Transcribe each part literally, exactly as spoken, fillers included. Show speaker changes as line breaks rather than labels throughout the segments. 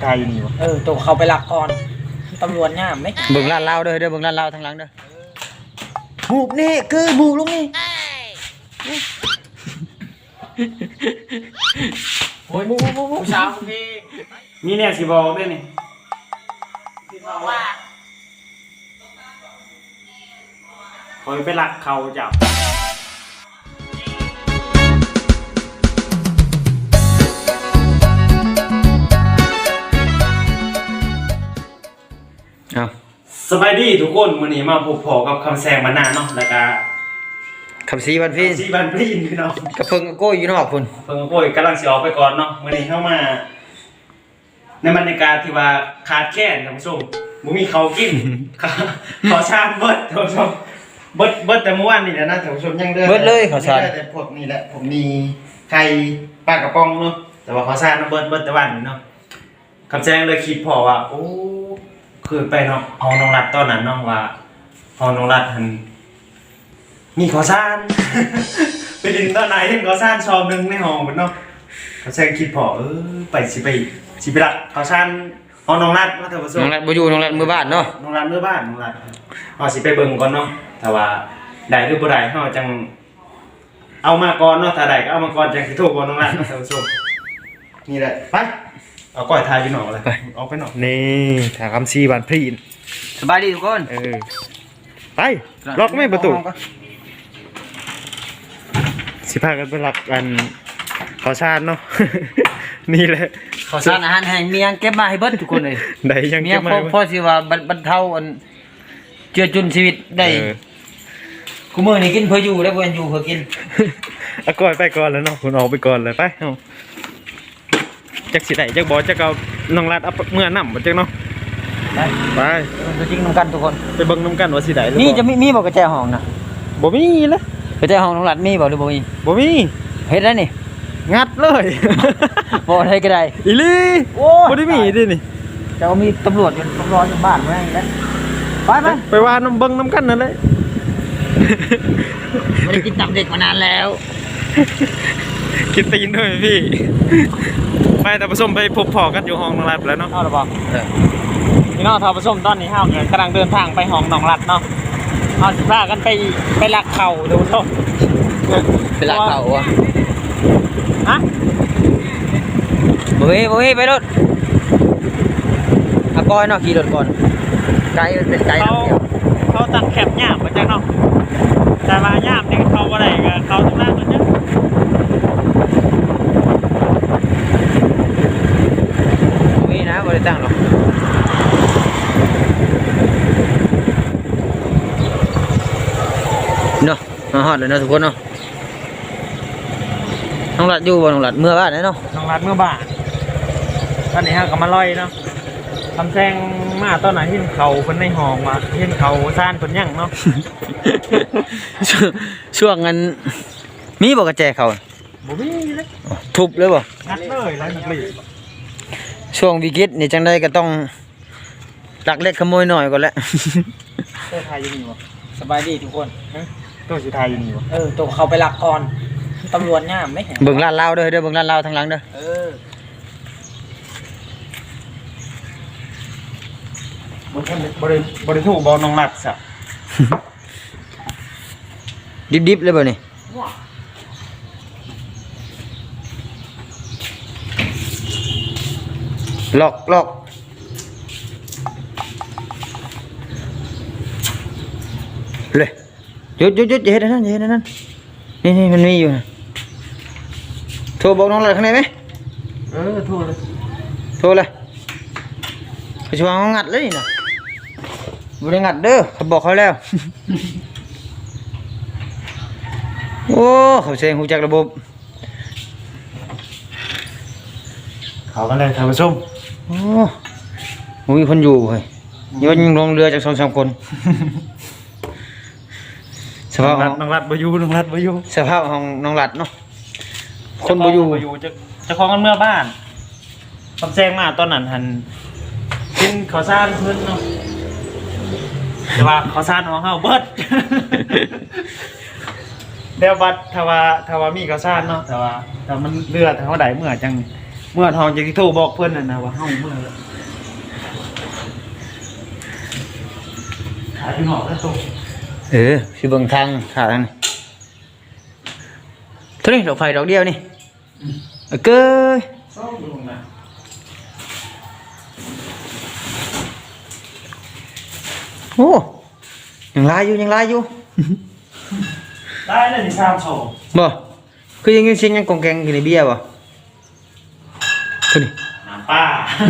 กายอยู่นี่วะ
เออตัวเขาไปหลักก่อนตำรวจง่ามไหม
เบิ่งร้านเหล้าเด้อเด้อเบิ่งร้านเหล้าทางหลังเด้อ
บูบนี่คือบูบลงนี่โอ้ยบูบบูบบูบสาวพี่
มีเนี่ยสิบอกด้วยนี่
บอกว่า
คอยไปหลักเขาจับ
เอา
สบายดีทุกคนวันนี้มาพบพอกับคำแซงมานานเนาะแล้วก็
คำซีบันพี่
ซีบันพี่พี่น้อง
กระเพิ่งโก้อยู่นอกพุ่น
เพิ่งโก้ยกำลังสิออกไปก่อนเนาะวันนี้เข้ามาในบรรยากาศที่ว่าขาดแคลนท่านผู้ชมบ่มีเขากินขอชาเบิดท่านผู้ชมเบิดเบิดแต่เมื่อวานนี่แหละนะท่านผู้ชมยังเด้อ
เบิดเลยขอชา
แต่พวกนี้แหละผมมีไข่ปลากระป๋องเนาะแต่ว่าขอชาเนาะเบิดเบิดแต่วันนี้เนาะคำแซงเลยคิดพอว่าโอ้คือไปเนาะห้องน้องรัดตอนนั้นเนาะว่าห้องน้องรัดมันมีขอซ่าน ไปดึงตอนไหนถึงขอซ่านชอบนึงในห้องมันเนาะเขาแซงคิดพอเออไปสิไปสิไปรักขอซ่านห้องน้องรัดมาเถอะผู้ชม
น้องรัดบ่อยู่น้องรัดมือบ้านเนาะ
น้องรัดมือบ้านน้องรัดเอาสิไปเบิ่งก่อนเนาะถ้าว่าได้หรือบ่ได้เฮาจังเอามาก่อนเนาะถ้าได้ก็เอามาก่อนจังสิโทรบอกน้องรัดเนาะท่านผู้ชมนี่แหละไปเอาก้อยทายอยู่หนอกเลยไปออกไปหนอกนี่ถาคำซีบานพรีน
สบายดีทุกคน
เออไปล็อกไม่ประตูสิพากันไปหลักกันขอชาติเนาะ นี่แหละ
ขอสารอาหารแห้งมียังเก็บมาให้เบิดทุกคนเลย
ได้ยังเก็บมา
พอสิว่าบรรเทาอันเจือจุนชีวิตได้กูมื้อนี้กินเพื่ออยู่แล้วบ่แม่นอยู่เพื่อกิน
เอาก้อยไปก่อนแล้วเนาะคุณออกไปก่อนเลยไปเฮาจักสิได้จักบ่จักเอาน้องรัดเอาเมื่อน้ำบ่จักเนาะ
ไป
ไป
มันจะจริงนำกันทุกคน
ไปเบิ่งนำกันว่าสิได้หรือบ่
นี่จะมีมีบ่กระแจห้องน่ะ
บ่มีเลย
กระแจห้องน้องรัดมีบ่หรือบ่มี
บ่มี
เฮ็ดได้นี่
งัดเลย
บ่ได้ก็ได้
อีหลีบ่ได้มีดินี่
จะมีตำรวจอยู่ตำรวจอยู่บ้านไว้แล้วไปไป
ไปว่าน้ำเบิ่งนำกันนั่นเลย
ไม่ได้กินตับเด็กมานานแล้ว
กินตีนด้วยพี่ไปแต่ผสมไปพบพอกันอยู่ห้องน้องรัดแล้วเนาะ
เอาหรือเปล่าพี่น้องทอผสมตอนนี้เฮากำลังเดินทางไปห้องน้องรัดเนาะเอาสิพากันไปไปลักเข่าดูชม
ไปลักเข่าอ่ะ
ฮะ
บ่มีบ่มีไปรถอาก้อยเนาะขี่รถก่อนไกลมันเป็นไกล
เขาเขาตั้งแคมป์ย่ามมาจากเนาะแต่มาย่ามนี่เขาบ่ได้ก็เขาตรงนั้นนั่นเนี่ย
มีนะบ่ได้ตั้งหรอกเนาะมาฮอดเลยเนาะทุกคนเนาะน้องหลัดอยู่บ่น้องหลัดเมื่อบ้านเนาะ
น้องรัดเมื่อบ่ายตอนนี้ฮะก็มาลอยเนาะทำแซงมาตอนไหนที่เขาเพิ่นในห้องมาที่เขาซ่านเพิ่นยังเนาะ
ช่วงนั้นมีบ่กระแจเขา
บ่มีเลย
ทุบเลยบ่
งัดเลยแล้วนักเลย
ช่วงวิกฤตนี่จังได๋ก็ต้องลักเล็กขโมยน้อยก่อนแหละ
ตัวไทยอยู่นี่บ่สบายดีทุกคน
ตัวสิทายอยู่นี่บ่
เออตัวเขาไปหลักก่อนตำรวจง่ามไหม
เบิ่งร้านเหล้าเด้อเด้อเบิ่งร้านเหล้าทางหลังเด้อ
เออ
บ่ทันบ่ได้บ่ได้โทรบอกน้องรัดซะ
ดิบๆเลยบ่นี่ล็อกล็อกเลยหยุดหยุดหยุดอย่าเฮ็ดนั่นอย่าเฮ็ดนั่นนี่นี่มันมีอยู่นะโทรบอกน้องเลยข้างในไหม
เออโทรเลย
โทรเลยเขาชวนเขางัดเลยนี่นะบ่ได้งัดเด้อเขาบอกเขาแล้ว โอ้เขาเซ็งหูจักระบบ
เขากันเลยท่านผู้ชม
โอ้มีคนอยู่เฮ้ยยนลงเรือจากสองสามคนสภาพ
น้องรัดบ่อยู่น้องรัดบ่อยู่
สภาพของน้องรัดเนาะคนบ่อยู่
บ่อยู่จะจะคล้องกันเมื่อบ้านคำแซงมาตอนนั้นหันกินข้าวสารเพิ่นเนาะแต่ว่าข้าวสารของเฮาเบิดเดี๋ยวบัดถ้าว่าถ้าว่ามีข้าวสารเนาะแต่ว่าถ้ามันเลือดเฮาได้เมื่อจังเมื่อทองจะโทรบอกเพื่อนน่ะนะว่าเฮาเมื่อหาพี่หอกแล้วโต
เออสิเบิ่งทางขาทางนี้เท่านี้ดอกไฟดอกเดียวนี่เออเก้ย
ซ่อมลงมา
โอ้ยังลายอยู่ยังลายอยู่
ได้แล้วนี่สามโชว์
บ่คือยังยังเสียงยังกองแกงอยู่ในเบียร์บ่คือนี่
น้ำป้า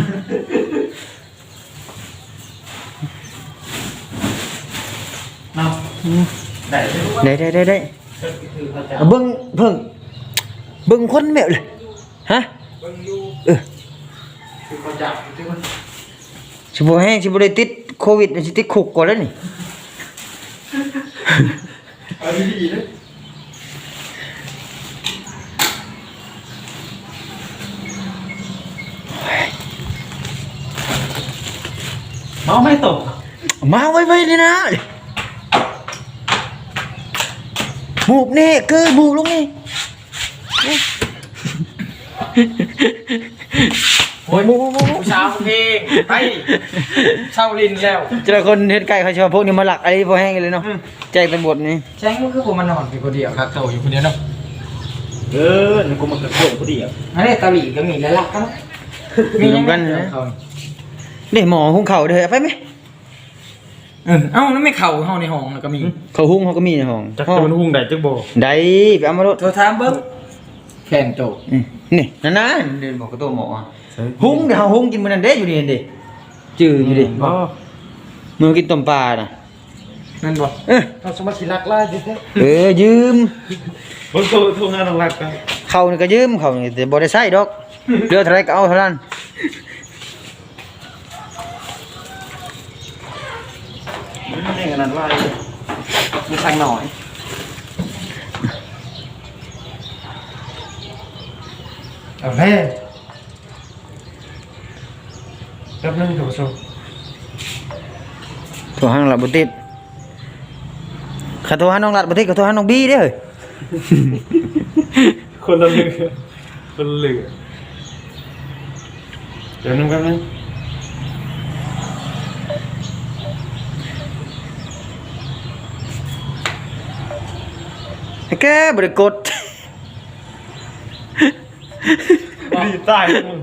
เนาะได้เลยรู้ว่า
ได้ได้ได้ได้
คือเขาจะ
เอาเบิ่งเพิ่งเบิ่งคนแบบเลยฮะ
เบิ่งอยู่
เออ
คือเขาจับที่มัน
สิบ่แห้งสิบ่ได้ติดโควิดสิติดคุกก่อนแล้วนี่
เอาดีๆเลยเมาไม่ตก
มาไว้ๆเลยนะหมูกแน่เกยหมูกลงนี่
โอ้ยผู้สาวเพลงไปเช่าลินแล้ว
เจอคนเฮ็ดไก่เขาชอบพวกนี้มาหลักอะไรบ่แห้งเลยเนาะแจ้งตำรวจนี่
แจ้งก็คือผมมานอนเป็นคนเดียวครับโตอยู่คนเดียวเนาะ
เออนี่กูมาเกิดโกรธกูดิอ่ะ
อันนี้เกาหลีก็มีแล้วล่ะกัน
มีนำกันนะนี่หมอหุงข้าวเด้อไปไหม
เออเอ้าแล้วไม่เข่าเฮาในห้องแล้วก็มี
เขาหุงเขาก็มีในห้อง
จักจะมันหุ้งได้จักโบ
ได้ไปเอามาโลด
โทรถามเบิ่งแข่งโต
อืมนี่นั่นนะเดินบอกกับตัวหมออะหุงเดี๋ยวเฮาหุงกินมื้อนั้นเด้อยู่นี่เห็นดิจื้ออยู่ดิ
บ่
มื้อกินต้มปลาน่ะ
นั่นบ่
เออ
เราสมาชิรักล่าดิเด้
เออยืม
บ่โทรโทรงานรักกัน
เขานี่ก็ยืมเขานี่แต่บ่ได้ใช้ดอกเหลือเท่าไหร่ก็เอาเท่านั้น
นี่ขนาดว่ามีทางหน่อยเอาแม่แป๊บนึงถูกสุด
โทรหาน้องหลัดบ่ติดข้าโทรหาน้องหลัดบ่ติดก็โทรหาน้องบี้เด้อเฮ้ย
คนละเรือคนละเรือเดี๋ยวนึงแป๊บนึง
แกบ่ได้กด
ดีตายมึง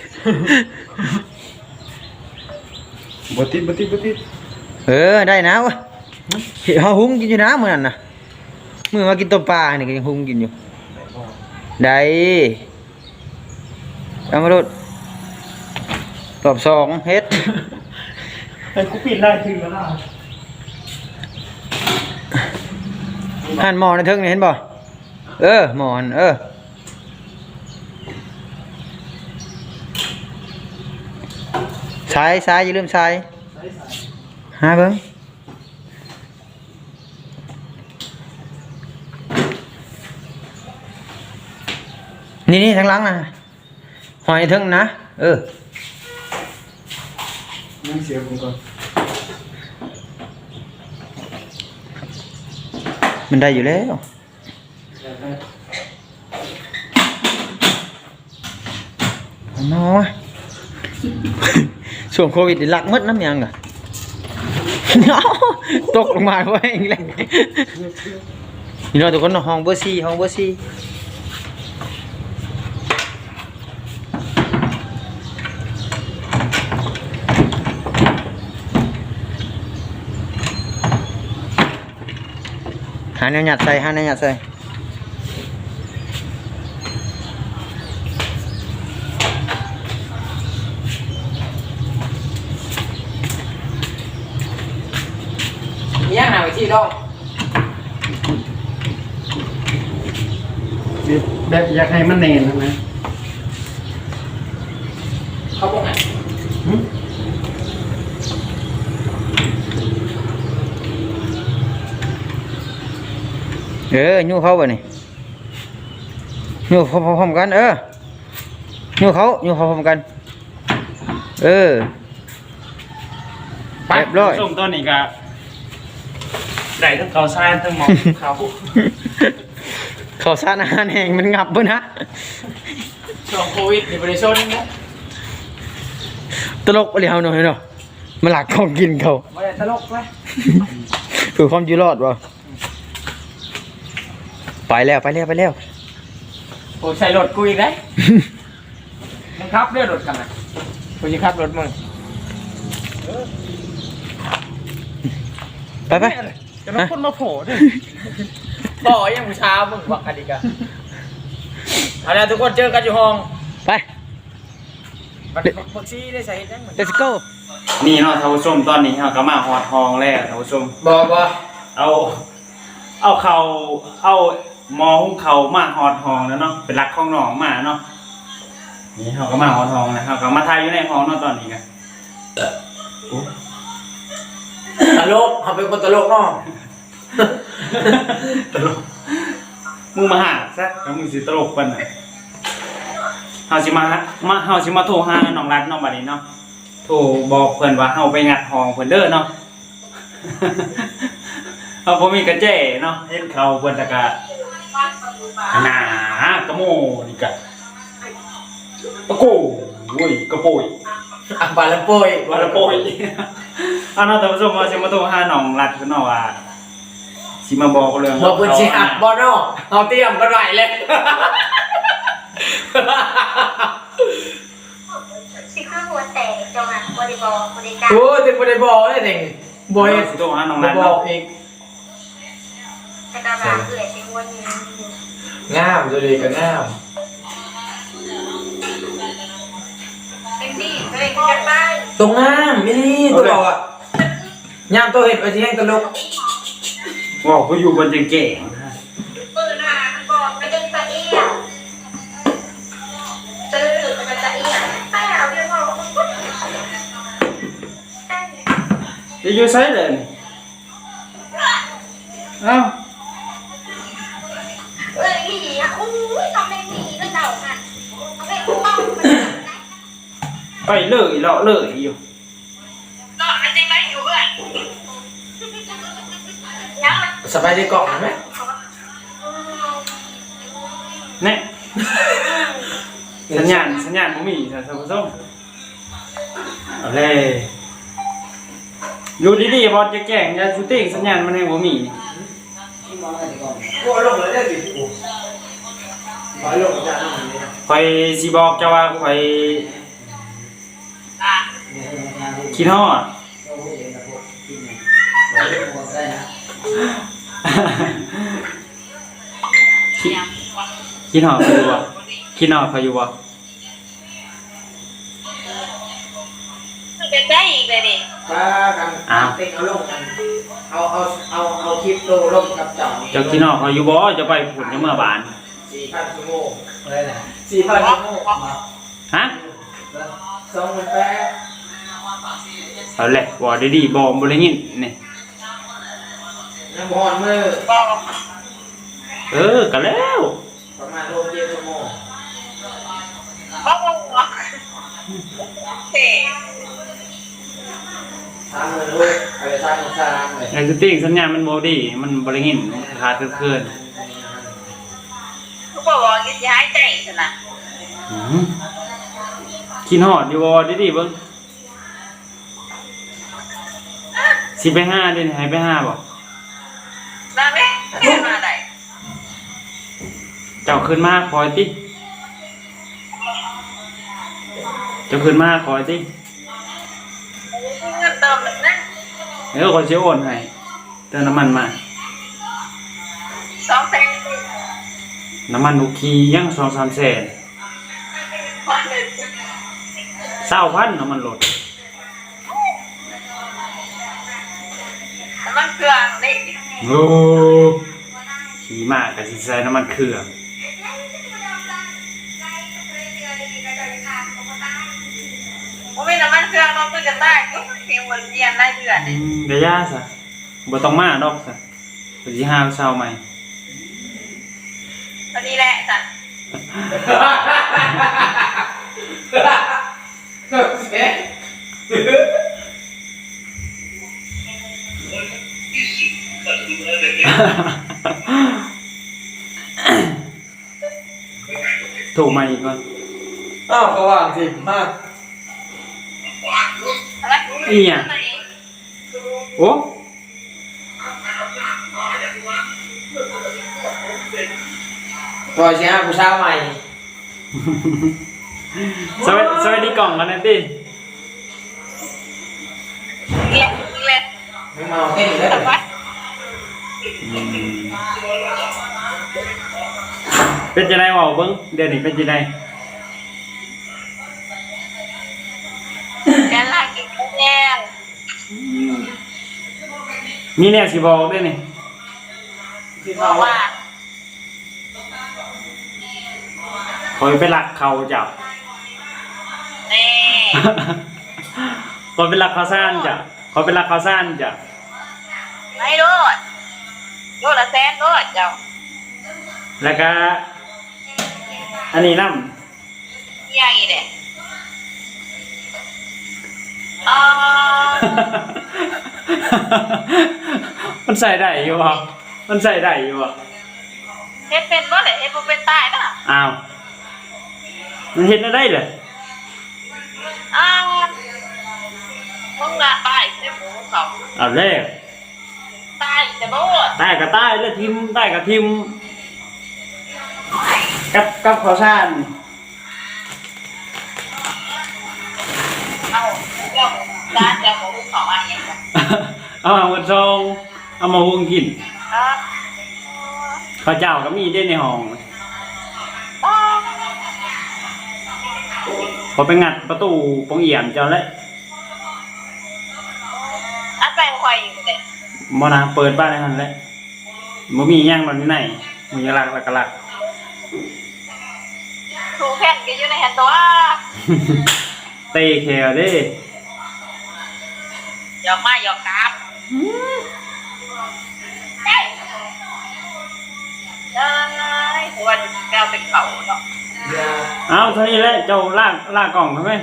บ่ติดบ่ติดบ่ติด
เออได้นะวะเฮาหุงกินอยู่นะมื้อนั้นน่ะมื้อมากินต้มปลานี่ก็ยังหุงกินอยู่ได้เอามาโลดรอบสองเฮ็ด
ไอ้กูปิดได้ถึงแล้วล่ะ
หันหมอในเทิงนี่เห็นบ่เออหมอนเออสายสายอย่าลืมสายหาเบิ่งนี่นี่ทางหลังน่ะหอยเทิงนะเออ
นั่งเสียผมก่อน
มันได้อยู่แล้วน้ อยช่วงโควิดนี่ลักหมดน้ำยังอ่ะ ตกลงมาไว้เองเลยนี่เราะทุกคนเนาะห้องเบอร์สี่ห้องเบอร์สี่หาแนวหยัดใส่หาแนวหยัดใส่
ย่างหาไว้ที่ดอก
แบบอยากให้มันเนียนนะ
เขาบอกไง
เออยูเขาบ่นี่ยูเขาพร้อมๆกันเออยูเขายูเขาพร้อมกันเออเรียบร้อย
ส่งต้นอีกอะได้ทั้งเขาทรายทั้งหมอกเขา
เขาสารอาหารแห้งมันงับเบิ่นะ
ช่วงโควิดนี่บริชนนะ
ตลกอะไรเฮาหน่อยเนาะมาหลักของกินเขา
ไม่ได้ตลกเลย
เพื่อความอยู่รอดวะไปแล้วไปแล้วไปแล้ว
โอ้ใส่รถกูอีกได้มึงขับเรือรถกันนะกูจะขับรถมึง
ไปไป
จะมาคนมาโผล่ด้วยบ่อยังบูชามึงวักกันดีกันเอาละทุกคนเจอกันอยู่ห้อง
ไป
บักบักซี่ได้ใส่ยังเหมือน
let's go
นี่เนาะท่านผู้ชมตอนนี้เราก็มาฮอดทองแล้วท่านผู้ชม
บ่บ่
เอา เอาเขาเอาหมอหุงเขามาฮอดทองแล้วเนาะเป็นรักของน้องมาเนาะนี่เขาก็มาฮอดทองแล้วเขาก็มาทายอยู่ในห้องเนาะตอนนี้กันโอ้
ตลกเขาเป็นคนตลกเนาะ
ตลกมึงมาหาซะแล้วมึงสิตลกปานไหนเฮาสิมามาเฮาสิมาโทรหาน้องรัดเนาะบัดนี้เนาะโทรบอกเพิ่นว่าเฮาไปงัดห้องเพิ่นเด้อเนาะ เฮาบ่มีกระแจเนาะเห็นเขาเพิ่นตะกะหนากระโมนี่กะปะโกโอ้ยกระโปย
อ่ะบาลำโปย
ว่าละโปย เอาเนาะท่านผู้ชมว่าสิมาโทรหาน้องรัดเพิ่นเนาะว่าสิมาบอกเรื่อง
บ่เพิ่นสิหักบ่เนาะเอาเตรียมกันไว้เลย
สิคือหัวแตกจังหวะบริบอลบริการ
โอ้ยถึงบ่ได้บอกเลยนี่บ่เฮ็ด
สิโทรหาน้อง
บ่
รัด
บอ
เนาะ
กอีก
แต่กระบาดเกลือสิวนอยู่
งามตัวดีก็งาม
เป็นที่เลยจะไป
ตรงงามอีหลีตัวบอกอ่ะยามตัวเฮ็ดไว้สิแฮงตลก
ว่าเขาอยู่บนเก่ง
ปืนหาก่อนไม่ได้ตะเอียซื้อหรือจะตะเอียไปเอาเรื่องของ
ๆจะอยู่ไสเลยนี่เอ้า
เอ้ยหนีอ่ะอู้ยทำไมหนีก็เดาค่ะทำไมต้อง
ไปเลยเลาะเลยอยู่
ก็อันจริงไหมอยู่เพื่อนยังมัน
สบายดีกล่องไหม
เนี่ยสัญญาณสัญญาณบ่มีท่านผู้ชมเอาเลยอยู่ดีๆบอลจะแกล้งอย่าชูติ้งสัญญาณมันให้บ่มีนี่
โอ้ลงเลยได้ดิโอ้บ่ลงจ้าลงนี่
ข่อยสิบอกเจ้าว่าข่อยคิดฮอด คิดคิดฮอดข่อยอยู่บ่คิดฮอดข่อยอยู่บ่
เป็นได้อีกเลยดิ
ป้ากันเต็งเอาลงกันเอาเอาเอาเอาคลิปโตลงกับเจ้านี่
เจ้าคิดฮอดข่อยอยู่บ่จะไปพุ่นยังเมื่อบาน
สี่พันชั่วโมงอะไรนะสี่พันชั่วโมง
ฮะ
สองหมื่นแปด
เอาแหละบ่ได้ดีบ่บ่ได้ยินนี่
ยังบอลมือ
เออก็แล้ว
ประมาณโลเจ็ดชั่วโมง
บ้าบ้าเฮ้
สามหมื่นลูกอะไรสามหมื่นสามเลย
ไอ้สติ้งสัญญาณมันบ่ดีมันบ่ได้ยินขาดเคลื่อน
เขาบอกว่าจะย้ายใจสินะ
ๆอือคิดฮอดอยู่บ่ได้ดีเบิ่งสิไปหาเด้นี่ให้ไปหาบ่
มาไหมไม่มาไหน
เจ้าขึ้นมาคอยติเจ้าขึ้นมาคอยติ
เงินเติมนะ
เดี๋ยวขอยสิโอนให้เติมน้ำมันมา
สองแสน
น้ำมันอุคียัง สองสามแสนเศร้าพันน้ำมันลด
มันเครื่องนี่
โอ้ขี่มากก็สิใส่น้ำมันเครื่อง
ผมไม่น้ำมันเครื่องเราก็จะได้ก็เพียงวันเรียนได้เดือน
อืมเดี๋ยวยาซะบ่ต้องมาดอกซะเดี๋ยวสิหาเช้าใหม่
พอดีแหละจ้ะ
เอ๊ะ
โทรมาอีกก่อน
อ้าวเขาว่างสิมาก
อะไร
อีหยังโอ้
รอยเสียผู้สาวใหม่
สวัสสวัสดีกล่องกันนะติ
เล็กเล็ก
ไม่เมาเต้นเลย
ไป
เป็นจังได๋เว้าเบิ่งเดี๋ยวนี้เป็นจังได๋
แกลากินแย่
มีแนวสิบอกด้วยนี่
บอกว่า
คอยไปรักเขาเจ้า
นี่
คอยไปรักเขาซ่านจ้ะคอยไปรักเขาซ่านจ้ะ
ไม่รู้รู้ละแสนรู้เจ้า
แล้วก็อันนี้นำ
เยี่ยอีเด้อ๋อ
มันใส่ได้อยู่บ่มันใส่ได้อยู่บ่
เฮ็ดเป็นบ่เลยเฮ็ดบ่เป็นตายนะ
อ้าวมันเฮ็ดได้เหรอ
อ้าวมึงละตายใช่หมูเขา
เอาแล้ว
ตายจะรู้
ใต้ก็ใต้แล้วทิมใต้ก็ทิมกับกับเขาซ่าน
เอาเจ้าด้านเจ้าหมูเขาอันนี้
เอามาหมดซองเอามาหุงกิน
อ่า
ข้าวเจ้าก็มีได้ในห้อง
อ่า
พอไปงัดประตูปองเอี่ยมเจ้าแล้ว
อันไปควายอยู่เลย
บ่นะเปิดบ้านในหั่นแหละบ่มีหยังมันอยู่ไหนมึงอย่าลักลักกะลัก
ถูกแผ่นก็อยู่ในแฮนด์ตัว
เตะแขวเด้
หยอกมาหยอกกราบเอ้ยเอ้ยวันแมวเป็นเขาเนาะ
เอาเท่านี้แหละเจ้าลากลากกล่องทำไม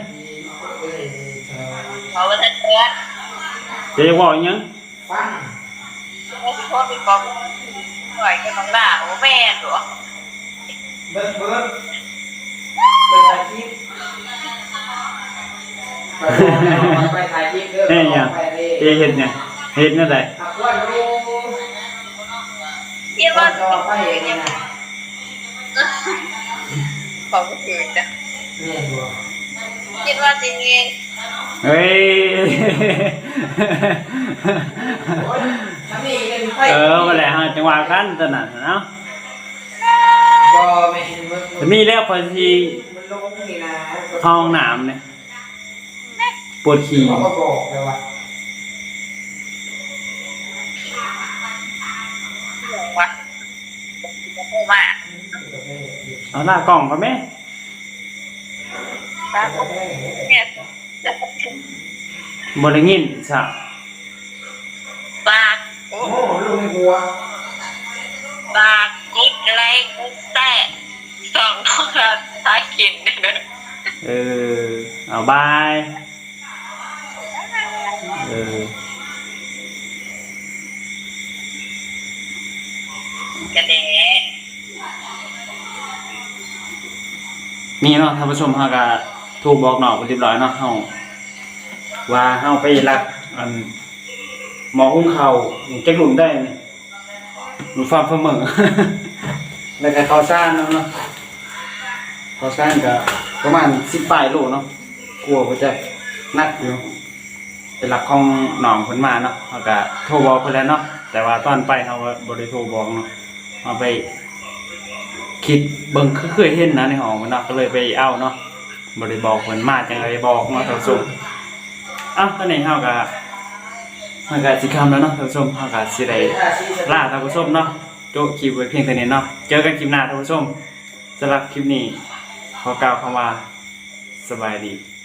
เขาเป็นเตือน
จะจะบอกอีหยัง
ฟัง
ไม่ใช่โทษเป็นกองหน่อยก็ต้องด่าโอ้แม่หรอ
เบิร์ดเบิร์ดไปถ่ายคลิปไปถ่ายคลิปเด้อ
เฮ้ยหยังเจเฮ็ดเนี่ยเฮ็ดแนั่นใด
หักวันดู
คิดว่า
จอไปเนี่
ยั
ย
งของอื่นจ้ะ
เนี่ยดู
คิดว่าจริงเอง
เฮ้ย
ทำนี่เป็นไฟ
เออมาแหละฮะจังหวะกันตอนนั้นเนาะ
ก็ไม่เห็นมึง
จะมีแล้วพอสิ
มันลงนี่นะ
เข้าห้องน้ำเนี่ยปวดขี้
เขาก็บอกเลยว่า
หลงวะจะพูดมาก
เอาหน้ากล่องก็แม่
ครับเนี่ยจะ
บ่ได้ยินซะ
ปากโอ้
โอ้ลูกไม่กลัว
ปากกุดอะไรกุดแต่สองคนท้ายกินเนี่ย
เออเอาบายเออ
กันเด้
นี่เนาะท่านผู้ชมเฮาก็ถูกบอกนอกไปเรียบร้อยเนาะเฮาว่าเฮาไปรักอันหมอหุ้งข้าวจักหลุมได้นี่หลุมฟาร์มเสมอ แล้วก็ข้าวสารเนาะเนาะข้าวสารก็ประมาณสิบปลายโลเนาะกลัวว่าจะหนักอยู่เป็นหลักของหนองเพิ่นมาเนาะเฮาก็โทรบอกเพิ่นแล้วเนาะแต่ว่าตอนไปเฮาก็บ่ได้โทรบอกเนาะเฮาไป คิดเบิ่งคือเคยเห็นนะในห้องมันเนาะก็เลยไปเอาเนาะบ่ได้บอกเพิ่นมาจังไดบอกเนาะท่านผู้ชมอ้าวตอนนี้เฮาก็เฮาก็สิค่ำแล้วเนาะท่านผู้ชมเฮาก็สิได้ลาท่านผู้ชมเนาะโจคลิปไว้เพียงเท่านี้เนาะเจอกันคลิปหน้าท่านผู้ชมสำหรับคลิปนี้ขอกล่าวคำว่าสบายดี